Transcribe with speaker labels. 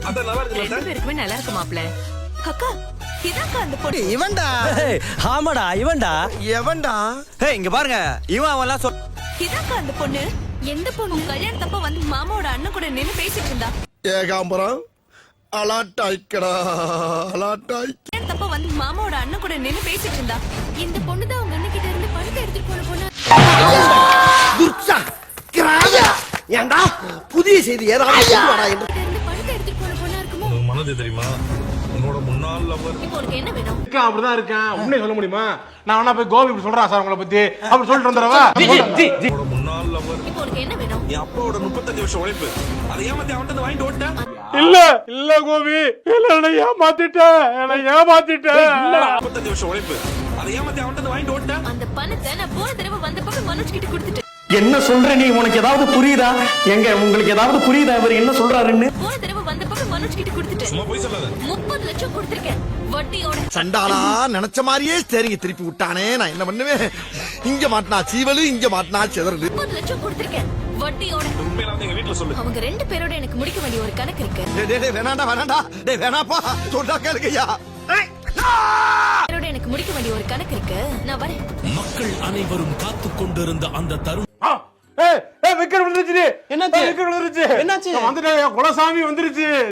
Speaker 1: அத நல்லா இருக்கு.
Speaker 2: ரெண்டு பேருக்குமே நல்லா இருக்கு மாப்ள. அக்கா இதாக்கா அந்த பொண்ணு.
Speaker 3: இவன்டா.
Speaker 4: ஆமாடா இவன்டா.
Speaker 3: எவன்டா?
Speaker 4: இங்க பாருங்க இவன் அவன்லாம்
Speaker 2: இதாக்கா அந்த பொண்ணு. எந்த பொண்ணு கல்யாணத்தப்ப வந்து மாமாவோட அண்ணன் கூட நின்னு பேசிட்டு இருந்தா?
Speaker 3: ஏகாம்பரம் அலாட்டாய்க்கடா அலாட்டாய்.
Speaker 2: கல்யாணத்தப்ப வந்து மாமாவோட அண்ணன் கூட நின்னு பேசிட்டு இருந்தா. இந்த பொண்ணு தான் உங்க அண்ணன் கிட்ட இருந்து பணத்தை எடுத்துட்டு போன பொண்ணு.
Speaker 3: துர்ச்சா கிராயா. ஏண்டா புதிய செய்தி ஏதாவது கொண்டு வாடா என்று.
Speaker 2: பணத்தை எடுத்துட்டு போன பொண்ணா இருக்குமோ?
Speaker 1: உனக்கு மனது தெரியுமா? உன்னோட முன்னாள் லவர்
Speaker 2: இப்போ உனக்கு என்ன வேணும்?
Speaker 5: அப்படிதான் இருக்கேன். உண்மையை சொல்ல முடியுமா? நான் வேணா போய் கோபி இப்படி சொல்றேன் சார் உங்களை பத்தி அப்படி சொல்லிட்டு வந்துடவா?
Speaker 1: உன்னோட முன்னாள் லவர்
Speaker 2: இப்போ உனக்கு என்ன வேணும்?
Speaker 1: என் அப்பாவோட 35 வருஷம் உழைப்பு அதை ஏமாத்தி அவன்கிட்ட வாங்கிட்டு ஓட்டேன்.
Speaker 5: இல்ல கோபி என்ன ஏமாத்திட்டேன்
Speaker 1: 35 வருஷம் உழைப்பு அதை ஏமாத்தி அவன்கிட்ட வாங்கிட்டு ஓட்டேன்.
Speaker 2: அந்த பணத்தை நான் போன தடவை வந்தப்ப மனோஜ் கிட்ட கொடுத்துட்டேன்.
Speaker 4: என்ன சொல்ற நீ? உனக்கு ஏதாவது புரியுதா? எங்க உங்களுக்கு ஏதாவது புரியுதா இவர் என்ன சொல்றாருன்னு?
Speaker 2: போன தடவை வந்தப்ப மனோஜ் கிட்ட கொடுத்துட்டேன்.
Speaker 1: சும்மா போய் சொல்லாத.
Speaker 2: 30 லட்சம் கொடுத்திருக்கேன் வட்டியோட.
Speaker 3: சண்டாளா நினைச்ச மாதிரியே ஸ்டேரிங்க திருப்பி விட்டானே. நான் என்ன பண்ணுவேன்? இங்க மாட்டினா சீவலு, இங்க மாட்டினா செதறடு.
Speaker 2: 30 லட்சம் கொடுத்திருக்கேன் வட்டியோட.
Speaker 1: உண்மையில வந்து எங்க வீட்டுல சொல்லு.
Speaker 2: அவங்க ரெண்டு பேரோட எனக்கு முடிக்க வேண்டிய ஒரு கணக்கு இருக்கு.
Speaker 3: டேய் வேணாண்டா டேய் வேணாப்பா சொல்றா கேளுங்கய்யா.
Speaker 2: பேரோட எனக்கு முடிக்க வேண்டிய ஒரு கணக்கு இருக்கு. நான் வரேன்.
Speaker 6: மக்கள் அனைவரும் காத்துக் கொண்டிருந்த அந்த தருணம்
Speaker 5: விக்கெட் விழுந்துருச்சு. என்னாச்சு? விக்கெட் விழுந்துருச்சு. என்னாச்சு? வந்துட்டேன் குலசாமி வந்துருச்சு.